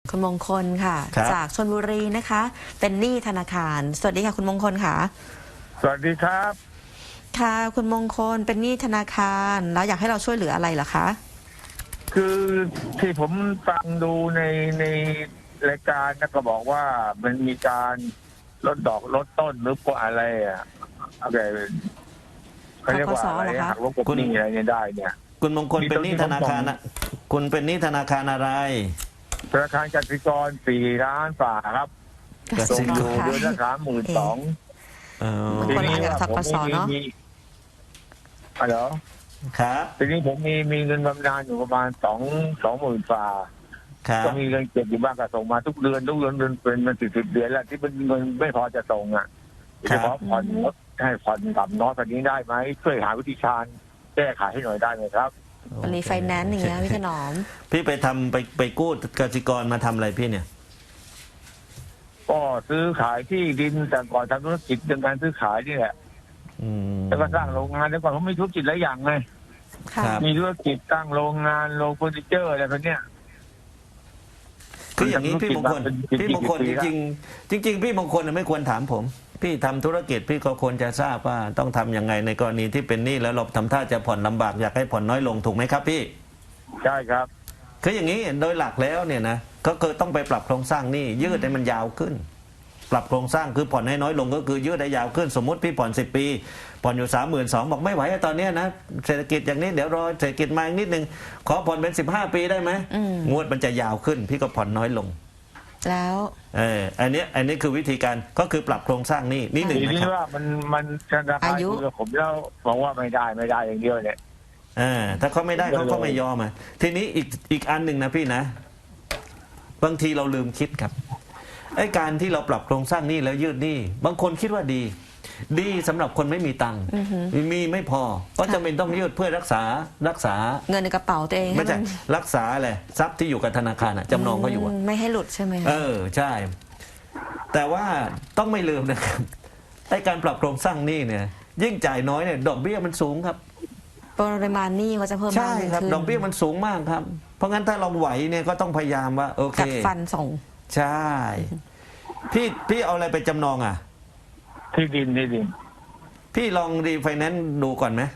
คุณมงคลค่ะครับจากชลบุรีนะคะ เป็นหนี้ธนาคารสวัสดีค่ะคุณมงคลค่ะสวัสดีครับค่ะคุณมงคลเป็นหนี้ธนาคารแล้วอยากให้เราช่วยเหลืออะไรเหรอคะคือที่ผมฟังดูในรายการนะก็บอกว่ามันมีการลดดอกลดต้นหรือว่าอะไรอะไรเขาเรียกว่าอะไรธกสเหรอคะหักลบกบหนี้อะไรเนี่ยได้เนี่ยคุณมงคลเป็นหนี้ธนาคารนะคุณเป็นหนี้ธนาคารอะไรธนาคารกสิกร4 ล้านฝ่าครับกส่สิงกอยู่รเดือนละ32,000 เออคนละอันกับธกสเนอะเหรอครับทีนี้ผมมีเงินบำนาญอยู่ประมาณ20,000 ฝ่าครับก็มีเงินเก็บอยู่บ้างก็ส่งมาทุกเดือนเป็นมัน10 เดือนแล้วที่เป็นเงินไม่พอจะส่งจะขอผ่อนให้ผ่อนต่ำน้อยกว่านี้ได้ไหมช่วยหาวิธีการแก้ไขให้หน่อยได้ไหมครับรีไฟแนนซ์อย่างเงี้ยพี่ถนอมพี่ไปกู้กสิกรมาทำอะไรพี่เนี่ยก็ซื้อขายที่ดินแต่ก่อนทำธุรกิจเรื่องการซื้อขายนี่แหละอืมแล้วก็สร้างโรงงานแล้วก่อนผมมีธุรกิจหลายอย่างไงค่ะครับมีธุรกิจตั้งโรงงานโรงเฟอร์นิเจอร์อะไรพวกเนี้ยคืออย่างนี้พี่มงคลเป็นพี่มงคลปีจแล้วริงๆพี่มงคลไม่ควรถามผม พี่ทำธุรกิจพี่ก็ควรจะทราบว่าต้องทำยังไงในกรณีที่เป็นหนี้แล้วเราทำท่าจะผ่อนลำบากอยากให้ผ่อนน้อยลงถูกไหมครับพี่ใช่ครับคืออย่างนี้โดยหลักแล้วเนี่ยนะก็คือต้องไปปรับโครงสร้างหนี้ยืดให้มันยาวขึ้น ปรับโครงสร้างคือผ่อนให้น้อยลงก็คือยืดให้ยาวขึ้น สมมติพี่ผ่อน10 ปีผ่อนอยู่32,000บอกไม่ไหวตอนเนี้ยนะเศรษฐกิจอย่างนี้เดี๋ยวรอเศรษฐกิจมาอีกนิดนึงขอผ่อนเป็น15 ปีได้ไหมอืมงวดมันจะยาวขึ้น พี่ก็ผ่อนน้อยลงแล้วอันนี้คือวิธีการก็คือปรับโครงสร้างหนี้นี่หนึ่งทีนะนี้ครับว่ามันธนาคารคุยกับผมแล้วบอกว่าไม่ได้อย่างเดียวเนี่ยถ้าเขาไม่ได้เขาก็ไม่ยอมทีนี้อีกอันหนึ่งนะพี่นะบางทีเราลืมคิดครับไอ้การที่เราปรับโครงสร้างหนี้แล้วยืดหนี้บางคนคิดว่าดีสำหรับคนไม่มีตังค์มีไม่พอก็จำเป็นต้องยืดเพื่อรักษาเงินในกระเป๋าตัวเองไม่ใช่รักษาอะไรทรัพย์ที่อยู่กับธนาคารจำนองเขาอยู่ไม่ให้หลุดใช่ไหมคะใช่ แต่ว่าต้องไม่ลืมนะครับไอ้การปรับโครงสร้างหนี้เนี่ย ยิ่งจ่ายน้อยเนี่ยดอกเบี้ยมันสูงครับปริมาณหนี้ก็จะเพิ่มมากใช่ครับขึ้นดอกเบี้ยมันสูงมากครับ เพราะงั้นถ้าเราไหวเนี่ยก็ต้องพยายามว่าโอเคกัดฟันส่งใช่ พี่เอาอะไรไปจำนองอ่ะที่ดินพี่ลองรีไฟแนนซ์ดูก่อนไหม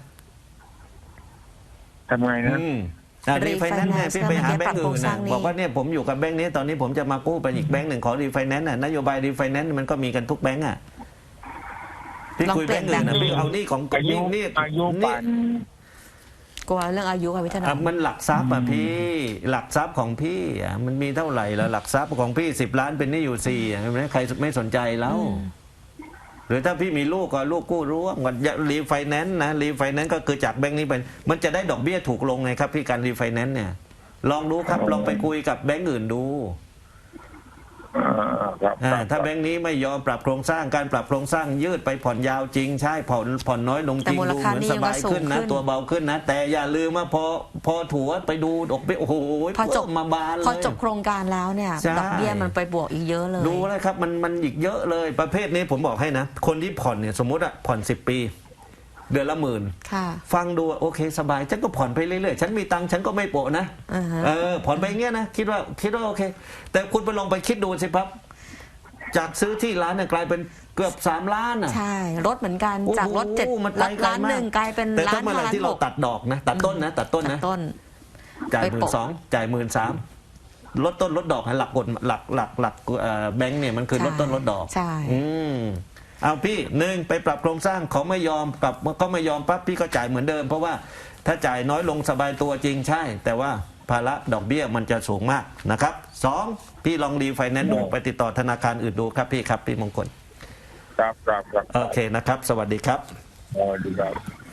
ทำไงนะรีไฟแนนซ์เนี่ยพี่ไปหาแบงก์อื่นนะบอกว่าเนี่ยผมอยู่กับแบงก์นี้ตอนนี้ผมจะมากู้ไปอีกแบงก์หนึ่งขอรีไฟแนนซ์นโยบายรีไฟแนนซ์มันก็มีกันทุกแบงก์พี่คุยแบงก์อื่นนะพี่เอานี่ของอายุนี่ป่านกลัวเรื่องอายุค่ะพี่ถนอมมันหลักทรัพย์พี่หลักทรัพย์ของพี่มันมีเท่าไหร่แล้วหลักทรัพย์ของพี่10 ล้านเป็นหนี้อยู่4ใครไม่สนใจแล้วหรือถ้าพี่มีลูกก็ลูกกู้ร่วมกันรีไฟแนนซ์นะรีไฟแนนซ์ก็คือจากแบงก์นี้ไปมันจะได้ดอกเบี้ยถูกลงไงครับพี่การรีไฟแนนซ์เนี่ยลองดูครับลองไปคุยกับแบงก์อื่นดูครับถ้าแบงก์นี้ไม่ยอมปรับโครงสร้างการปรับโครงสร้างยืดไปผ่อนยาวจริงใช่ผ่อนน้อยลงจริงดูเหมือนสบายขึ้นนะตัวเบาขึ้นนะแต่อย่าลืมว่าพอถัวไปดูดอกเบี้ยโอ้โหพอจบมาบานเลยพอจบโครงการแล้วเนี่ยใช่ดอกเบี้ยมันไปบวกอีกเยอะเลยดูแล้วครับมันอีกเยอะเลยประเภทนี้ผมบอกให้นะคนที่ผ่อนเนี่ยสมมติผ่อน10 ปีเดือนละ10,000 ค่ะฟังดูโอเคสบายฉันก็ผ่อนไปเรื่อยๆฉันมีตังค์ฉันก็ไม่โปะนะ ผ่อนไปอย่างเงี้ยนะคิดว่าโอเค แต่คุณไปลองไปคิดดูสิครับจากซื้อที่ร้านเนี่ยกลายเป็นเกือบ3 ล้านอ่ะใช่รถเหมือนกันจากรถโอ้โหมันไปไกลล้านมากหนึ่งกลายเป็นแต่ล้าถ้าน เมื่อไหร่ล้านที่เราหกตัดดอกนะตัดต้นนะตัดต้นจ่ายไป 12,000 โปะจ่าย13,000ลดต้นลดดอกหลักกฎหลักแบงก์เนี่ยมันคือลดต้นลดดอกใช่เอาพี่ไปปรับโครงสร้างเขาไม่ยอมปรับก็ไม่ยอมปั๊บพี่ก็จ่ายเหมือนเดิม เพราะว่าถ้าจ่ายน้อยลงสบายตัวจริงใช่ แต่ว่าภาระดอกเบี้ยมันจะสูงมากนะครับ2พี่ลองรีไฟแนนซ์ดูไปติดต่อธนาคารอื่นดูครับพี่มงคลครับโอเคนะครับ สวัสดีครับสวัสดีครับ